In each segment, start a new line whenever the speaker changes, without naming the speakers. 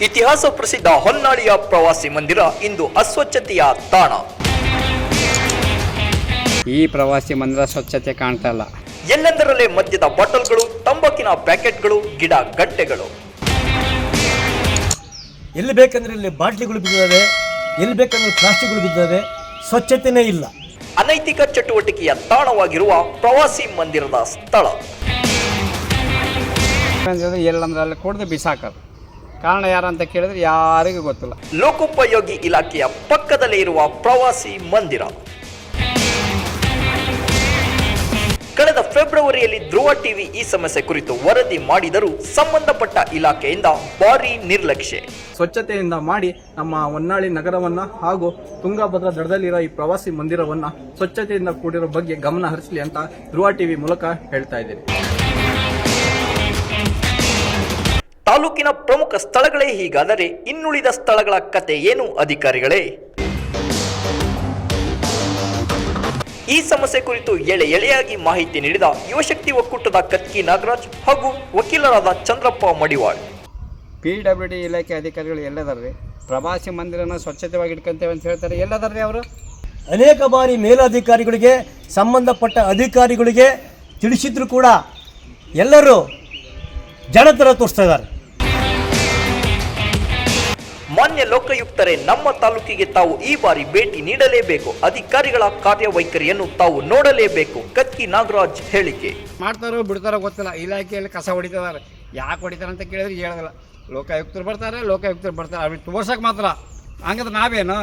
ಇತಿಹಾಸ ಪ್ರಸಿದ್ಧ ಹೊನ್ನಾಳಿಯ ಪ್ರವಾಸಿ ಮಂದಿರ ಇಂದು ಅಸ್ವಚ್ಛತೆಯ ತಾಣ.
ಈ ಪ್ರವಾಸಿ ಮಂದಿರ ಸ್ವಚ್ಛತೆ ಕಾಣ್ತಾ ಇಲ್ಲ.
ಎಲ್ಲೆಂದರಲ್ಲೇ ಮದ್ಯದ ಬಾಟಲ್ಗಳು, ತಂಬಾಕಿನ ಪ್ಯಾಕೆಟ್ಗಳು, ಗಿಡ ಗಂಟೆಗಳು.
ಎಲ್ಲಿ ಬೇಕಂದ್ರೆ ಇಲ್ಲಿ ಬಾಟ್ಲಿಗಳು ಬಿದ್ದಿದ್ದಾವೆ, ಎಲ್ಲಿ ಬೇಕಂದ್ರೆ ಪ್ಲಾಸ್ಟಿಕ್ಗಳು ಬಿದ್ದಿದ್ದಾವೆ. ಸ್ವಚ್ಛತೆನೇ ಇಲ್ಲ.
ಅನೈತಿಕ ಚಟುವಟಿಕೆಯ ತಾಣವಾಗಿರುವ ಪ್ರವಾಸಿ ಮಂದಿರದ ಸ್ಥಳ.
ಎಲ್ಲಂದ್ರೆ ಅಲ್ಲಿ ಕೊಡದೆ ಬಿಸಾಕೋದು. ಕಾರಣ ಯಾರಂತ ಕೇಳಿದ್ರೆ ಯಾರಿಗೂ ಗೊತ್ತಿಲ್ಲ.
ಲೋಕೋಪಯೋಗಿ ಇಲಾಖೆಯ ಪಕ್ಕದಲ್ಲೇ ಇರುವ ಪ್ರವಾಸಿ ಮಂದಿರ. ಕಳೆದ ಫೆಬ್ರವರಿಯಲ್ಲಿ ಧ್ರುವ ಟಿವಿ ಈ ಸಮಸ್ಯೆ ಕುರಿತು ವರದಿ ಮಾಡಿದರೂ ಸಂಬಂಧಪಟ್ಟ ಇಲಾಖೆಯಿಂದ ಭಾರೀ ನಿರ್ಲಕ್ಷ್ಯ.
ಸ್ವಚ್ಛತೆಯಿಂದ ಮಾಡಿ ನಮ್ಮ ಹೊನ್ನಾಳಿ ನಗರವನ್ನ ಹಾಗೂ ತುಂಗಭದ್ರಾ ದಡದಲ್ಲಿರೋ ಈ ಪ್ರವಾಸಿ ಮಂದಿರವನ್ನ ಸ್ವಚ್ಛತೆಯಿಂದ ಕೂಡಿರೋ ಬಗ್ಗೆ ಗಮನ ಹರಿಸಲಿ ಅಂತ ಧ್ರುವ ಟಿವಿ ಮೂಲಕ ಹೇಳ್ತಾ ಇದ್ದೀನಿ.
ತಾಲೂಕಿನ ಪ್ರಮುಖ ಸ್ಥಳಗಳೇ ಹೀಗಾದರೆ ಇನ್ನುಳಿದ ಸ್ಥಳಗಳ ಕತೆ ಏನು ಅಧಿಕಾರಿಗಳೇ? ಈ ಸಮಸ್ಯೆ ಕುರಿತು ಎಳೆಯಾಗಿ ಮಾಹಿತಿ ನೀಡಿದ ಯುವಶಕ್ತಿ ಒಕ್ಕೂಟದ ಕತ್ಕಿ ನಾಗರಾಜ್ ಹಾಗೂ ವಕೀಲರಾದ ಚಂದ್ರಪ್ಪ ಮಡಿವಾಳ್.
PWD ಇಲಾಖೆ ಅಧಿಕಾರಿಗಳು ಎಲ್ಲದಾರ್ರಿ? ಪ್ರವಾಸಿ ಮಂದಿರನ ಸ್ವಚ್ಛತೆವಾಗಿ ಇಟ್ಕೊಂತೇವೆ ಅಂತ ಹೇಳ್ತಾರೆ. ಎಲ್ಲದಾರ್ರಿ ಅವರು?
ಅನೇಕ ಬಾರಿ ಮೇಲಧಿಕಾರಿಗಳಿಗೆ, ಸಂಬಂಧಪಟ್ಟ ಅಧಿಕಾರಿಗಳಿಗೆ ತಿಳಿಸಿದ್ರು ಕೂಡ ಎಲ್ಲರೂ ಜನತರ ತೋರಿಸ್ತಾ ಇದ್ದಾರೆ.
ಮಾನ್ಯ ಲೋಕಾಯುಕ್ತರೇ, ನಮ್ಮ ತಾಲೂಕಿಗೆ ತಾವು ಈ ಬಾರಿ ಭೇಟಿ ನೀಡಲೇಬೇಕು. ಅಧಿಕಾರಿಗಳ ಕಾರ್ಯವೈಖರಿಯನ್ನು ತಾವು ನೋಡಲೇಬೇಕು. ಕತ್ಕಿ ನಾಗರಾಜ್ ಹೇಳಿಕೆ.
ಮಾಡ್ತಾರೋ ಬಿಡ್ತಾರೋ ಗೊತ್ತಿಲ್ಲ. ಇಲಾಖೆಯಲ್ಲಿ ಕಸ ಹೊಡಿತಿದ್ದಾರೆ. ಯಾಕೆ ಹೊಡಿತಾರೆ ಅಂತ ಕೇಳಿದ್ರೆ ಹೇಳೋದಿಲ್ಲ. ಲೋಕಾಯುಕ್ತರು ಬರ್ತಾರೆ ಅವ್ರಿಗೆ ತೋರ್ಸಕ್ಕೆ ಮಾತ್ರ. ಹಂಗಂದ್ರೆ ನಾವೇನು?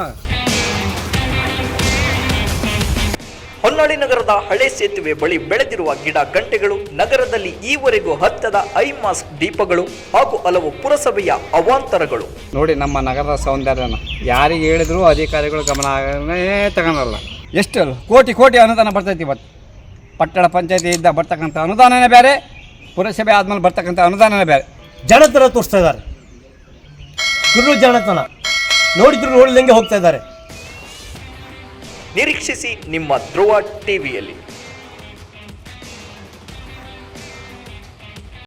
ಹೊನ್ನಾಳಿ ನಗರದ ಹಳೆ ಸೇತುವೆ ಬಳಿ ಬೆಳೆದಿರುವ ಗಿಡ ಗಂಟೆಗಳು, ನಗರದಲ್ಲಿ ಈವರೆಗೂ ಹತ್ತದ ಐ ಮಾಸ್ಕ್ ದೀಪಗಳು ಹಾಗೂ ಹಲವು ಪುರಸಭೆಯ ಅವಾಂತರಗಳು.
ನೋಡಿ ನಮ್ಮ ನಗರದ ಸೌಂದರ್ಯನ ಯಾರಿಗೆ ಹೇಳಿದ್ರು ಅಧಿಕಾರಿಗಳು ಗಮನನೇ ತಗೊಳಲ್ಲ. ಎಷ್ಟು ಕೋಟಿ ಅನುದಾನ ಬರ್ತೈತಿ. ಇವತ್ತು ಪಟ್ಟಣ ಪಂಚಾಯತಿಯಿಂದ ಬರ್ತಕ್ಕಂಥ ಅನುದಾನನೇ ಬೇರೆ, ಪುರಸಭೆ ಆದ್ಮೇಲೆ ಬರ್ತಕ್ಕಂಥ ಅನುದಾನನೇ ಬೇರೆ.
ಜನತರ ತೋರಿಸ್ತಾ ಇದ್ದಾರೆ. ಕುರು ಜನತನ ನೋಡಿದ್ರು ನೋಡಿದಂಗೆ ಹೋಗ್ತಾ ಇದ್ದಾರೆ.
ನಿರೀಕ್ಷಿಸಿ ನಿಮ್ಮ ಧ್ರುವ ಟಿವಿಯಲ್ಲಿ.